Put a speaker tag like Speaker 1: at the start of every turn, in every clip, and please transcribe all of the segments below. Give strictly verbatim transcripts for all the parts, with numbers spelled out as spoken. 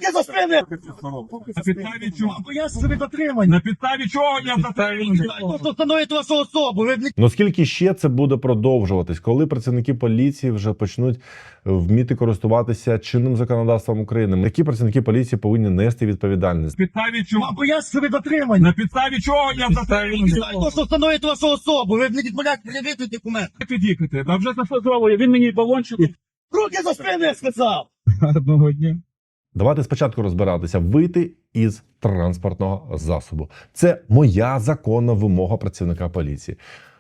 Speaker 1: Руки за спини!
Speaker 2: На підставі чого?
Speaker 1: Я собі дотриманий.
Speaker 2: На підставі чого я затриманий?
Speaker 1: То, що встановить вашу особу. Ви не
Speaker 3: Ну скільки ще це буде продовжуватись, коли працівники поліції вже почнуть вміти користуватися чинним законодавством України? Які працівники поліції повинні нести відповідальність?
Speaker 2: На підставі чого?
Speaker 1: Бо я собі дотриманий.
Speaker 2: На підставі чого я затриманий?
Speaker 1: То, що встановить вашу особу. Ви не відмовляєте пред'явити документ.
Speaker 2: Під'їхати. Та вже заслужовує. Він мені балончик.
Speaker 1: Руки за спини, я сказав.
Speaker 2: Одного дня.
Speaker 3: Давайте спочатку розбиратися, вийти із транспортного засобу. Це моя законна вимога працівника поліції.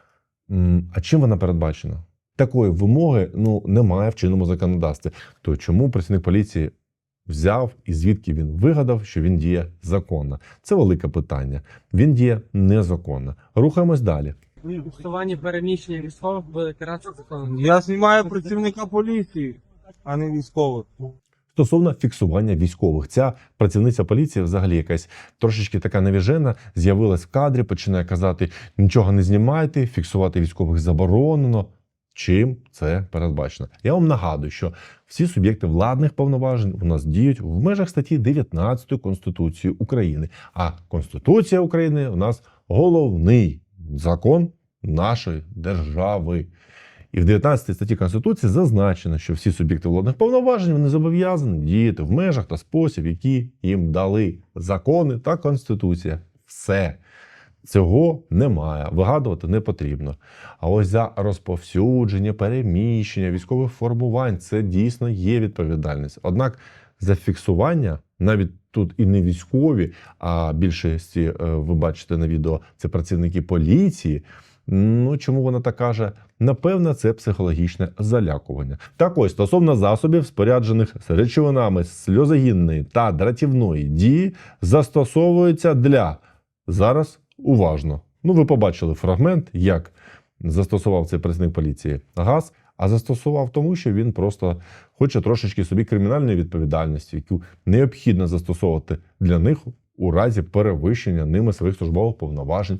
Speaker 3: М, А чим вона передбачена? Такої вимоги ну, немає в чинному законодавстві. То чому працівник поліції взяв і звідки він вигадав, що він діє законно? Це велике питання. Він діє незаконно. Рухаємось далі.
Speaker 4: Усування переміщення військових буде каратися законом.
Speaker 5: Я знімаю працівника поліції, а не військових.
Speaker 3: Стосовно фіксування військових, ця працівниця поліції взагалі якась трошечки така навіжена, з'явилась в кадрі, починає казати, нічого не знімайте, фіксувати військових заборонено. Чим це передбачено? Я вам нагадую, що всі суб'єкти владних повноважень у нас діють в межах статті дев'ятнадцятої Конституції України. А Конституція України у нас головний закон нашої держави. І в дев'ятнадцятій статті Конституції зазначено, що всі суб'єкти владних повноважень вони зобов'язані діяти в межах та спосіб, які їм дали закони та Конституція. Все. Цього немає, вигадувати не потрібно. А ось за розповсюдження, переміщення військових формувань – це дійсно є відповідальність. Однак за фіксування, навіть тут і не військові, а більшості, ви бачите на відео, це працівники поліції, ну, чому вона так каже? Напевно, це психологічне залякування. Так ось, стосовно засобів, споряджених з речовинами сльозогінної та дратівної дії, застосовується для... Зараз уважно. Ну, ви побачили фрагмент, як застосував цей працівник поліції газ, а застосував тому, що він просто хоче трошечки собі кримінальної відповідальності, яку необхідно застосовувати для них у разі перевищення ними своїх службових повноважень.